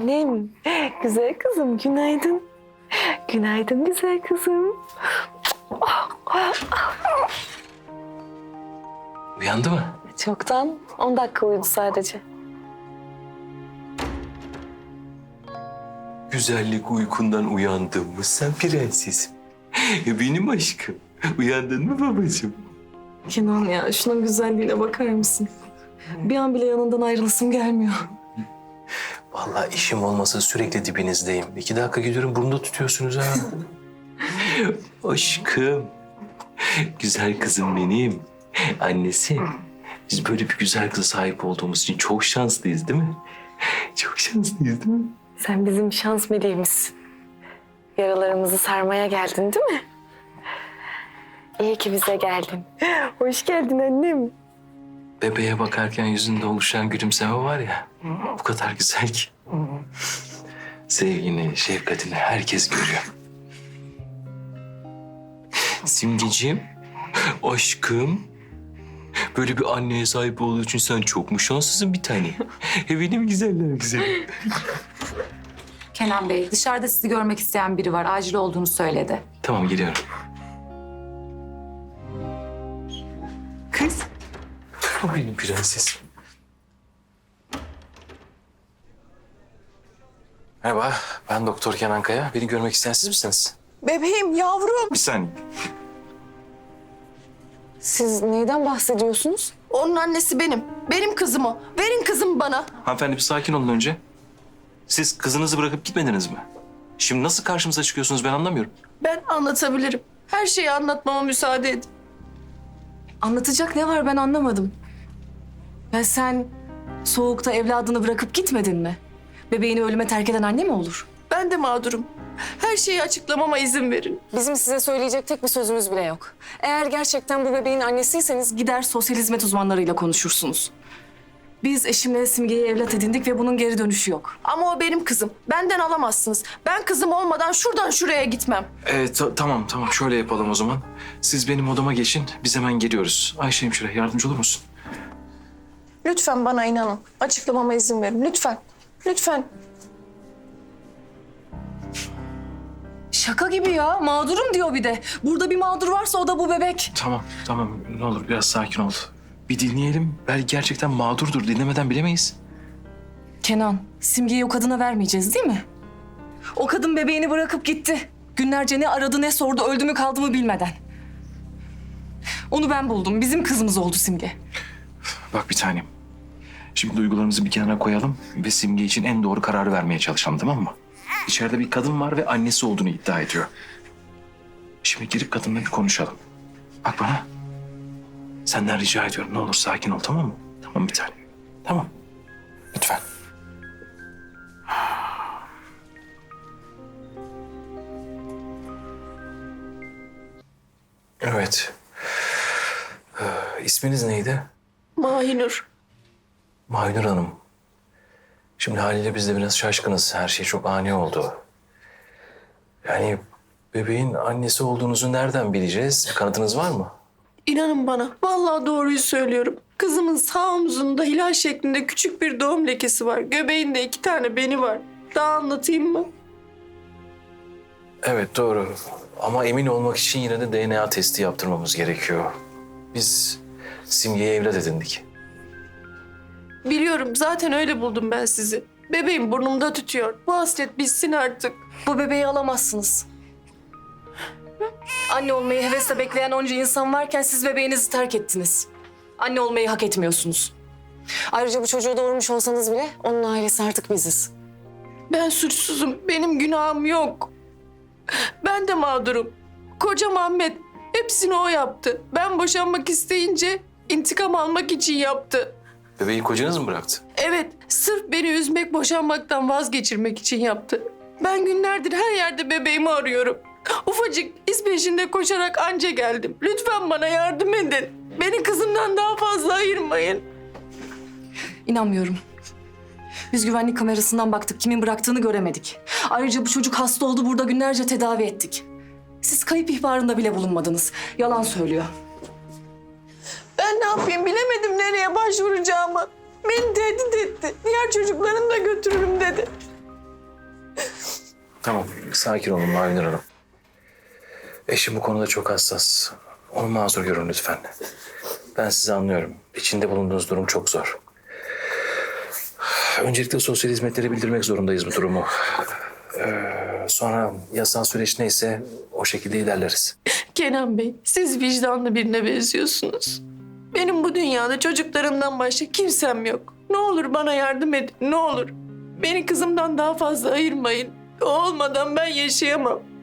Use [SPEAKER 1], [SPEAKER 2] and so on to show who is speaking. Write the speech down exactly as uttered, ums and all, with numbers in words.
[SPEAKER 1] Annem, güzel kızım günaydın. Günaydın güzel kızım.
[SPEAKER 2] Uyandı mı?
[SPEAKER 1] Çoktan on dakika uyudu sadece.
[SPEAKER 2] Güzellik uykundan uyandın mı sen prensesim? Benim aşkım. Uyandın mı babacığım?
[SPEAKER 1] Kenan ya şunun güzelliğine bakar mısın? Bir an bile yanından ayrılasım gelmiyor.
[SPEAKER 2] Vallahi işim olmasa sürekli dibinizdeyim. İki dakika gidiyorum burnunda tutuyorsunuz ha. Aşkım. Güzel kızım benim. Annesi. Biz böyle bir güzel kıza sahip olduğumuz için çok şanslıyız değil mi? Çok şanslıyız değil mi?
[SPEAKER 1] Sen bizim şans meleğimizsin. Yaralarımızı sarmaya geldin değil mi? İyi ki bize geldin. Hoş geldin annem.
[SPEAKER 2] Bebeğe bakarken yüzünde oluşan gülümseme var ya, bu kadar güzel ki. Sevgini, şefkatini herkes görüyor. Simgeciğim, aşkım. Böyle bir anneye sahip olduğu için sen çok mu şanslısın bir tane? E benim güzeller güzelim.
[SPEAKER 3] Kenan Bey, dışarıda sizi görmek isteyen biri var. Acil olduğunu söyledi.
[SPEAKER 2] Tamam geliyorum. Kız. O benim prensesim. Merhaba, ben Doktor Kenan Kaya. Beni görmek isteyen siz misiniz?
[SPEAKER 4] Bebeğim, yavrum.
[SPEAKER 2] Bir saniye.
[SPEAKER 1] Siz neyden bahsediyorsunuz?
[SPEAKER 4] Onun annesi benim. Benim kızım o. Verin kızımı bana.
[SPEAKER 2] Hanımefendi bir sakin olun önce. Siz kızınızı bırakıp gitmediniz mi? Şimdi nasıl karşımıza çıkıyorsunuz ben anlamıyorum.
[SPEAKER 4] Ben anlatabilirim. Her şeyi anlatmama müsaade edin.
[SPEAKER 1] Anlatacak ne var ben anlamadım. Ya sen soğukta evladını bırakıp gitmedin mi? Bebeğini ölüme terk eden anne mi olur?
[SPEAKER 4] Ben de mağdurum. Her şeyi açıklamama izin verin.
[SPEAKER 1] Bizim size söyleyecek tek bir sözümüz bile yok. Eğer gerçekten bu bebeğin annesiyseniz gider sosyal hizmet uzmanlarıyla konuşursunuz. Biz eşimle Simge'yi evlat edindik ve bunun geri dönüşü yok.
[SPEAKER 4] Ama o benim kızım. Benden alamazsınız. Ben kızım olmadan şuradan şuraya gitmem.
[SPEAKER 2] Evet ta- tamam tamam şöyle yapalım o zaman. Siz benim odama geçin biz hemen geliyoruz. Ayşe hemşire yardımcı olur musun?
[SPEAKER 4] Lütfen bana inanın. Açıklamama izin verin. Lütfen. Lütfen.
[SPEAKER 1] Şaka gibi ya. Mağdurum diyor bir de. Burada bir mağdur varsa o da bu bebek.
[SPEAKER 2] Tamam tamam ne olur biraz sakin ol. Bir dinleyelim. Belki gerçekten mağdurdur. Dinlemeden bilemeyiz.
[SPEAKER 1] Kenan, Simge'yi o kadına vermeyeceğiz değil mi? O kadın bebeğini bırakıp gitti. Günlerce ne aradı ne sordu, öldü mü kaldı mı bilmeden. Onu ben buldum. Bizim kızımız oldu Simge.
[SPEAKER 2] Bak bir tanem. Şimdi duygularımızı bir kenara koyalım ve Simge için en doğru kararı vermeye çalışalım tamam mı? İçeride bir kadın var ve annesi olduğunu iddia ediyor. Şimdi girip kadınla bir konuşalım. Bak bana. Senden rica ediyorum ne olur sakin ol tamam mı? Tamam bir tanem. Tamam. Lütfen. Evet. Ee, isminiz neydi?
[SPEAKER 4] Mahinur.
[SPEAKER 2] Maynur Hanım. Şimdi haliyle biz de biraz şaşkınız. Her şey çok ani oldu. Yani bebeğin annesi olduğunuzu nereden bileceğiz? Bir kanıtınız var mı?
[SPEAKER 4] İnanın bana. Vallahi doğruyu söylüyorum. Kızımın sağ omzunda hilal şeklinde küçük bir doğum lekesi var. Göbeğinde iki tane beni var. Daha anlatayım mı?
[SPEAKER 2] Evet doğru. Ama emin olmak için yine de D N A testi yaptırmamız gerekiyor. Biz Simge'yi evlat edindik.
[SPEAKER 4] Biliyorum zaten öyle buldum ben sizi. Bebeğim burnumda tütüyor. Bu hasret bitsin artık.
[SPEAKER 1] Bu bebeği alamazsınız. Anne olmayı hevesle bekleyen onca insan varken siz bebeğinizi terk ettiniz. Anne olmayı hak etmiyorsunuz. Ayrıca bu çocuğu doğurmuş olsanız bile onun ailesi artık biziz.
[SPEAKER 4] Ben suçsuzum. Benim günahım yok. Ben de mağdurum. Kocam Ahmet. Hepsini o yaptı. Ben boşanmak isteyince intikam almak için yaptı.
[SPEAKER 2] Bebeği kocanız mı bıraktı?
[SPEAKER 4] Evet, sırf beni üzmek, boşanmaktan vazgeçirmek için yaptı. Ben günlerdir her yerde bebeğimi arıyorum. Ufacık iz peşinde koşarak anca geldim. Lütfen bana yardım edin. Beni kızımdan daha fazla ayırmayın.
[SPEAKER 1] İnanmıyorum. Biz güvenlik kamerasından baktık. Kimin bıraktığını göremedik. Ayrıca bu çocuk hasta oldu. Burada günlerce tedavi ettik. Siz kayıp ihbarında bile bulunmadınız. Yalan söylüyor.
[SPEAKER 4] Ben ne yapayım bilemedim nereye başvuracağımı. Beni tehdit etti. Diğer çocuklarını da götürürüm dedi.
[SPEAKER 2] Tamam, sakin olun Mavinur Hanım. Eşim bu konuda çok hassas. Onu mazur görün lütfen. Ben sizi anlıyorum. İçinde bulunduğunuz durum çok zor. Öncelikle sosyal hizmetlere bildirmek zorundayız bu durumu. Ee, sonra yasal süreç neyse o şekilde ilerleriz.
[SPEAKER 4] Kenan Bey, siz vicdanlı birine benziyorsunuz. Benim bu dünyada çocuklarımdan başka kimsem yok. Ne olur bana yardım edin, ne olur. Beni kızımdan daha fazla ayırmayın. O olmadan ben yaşayamam.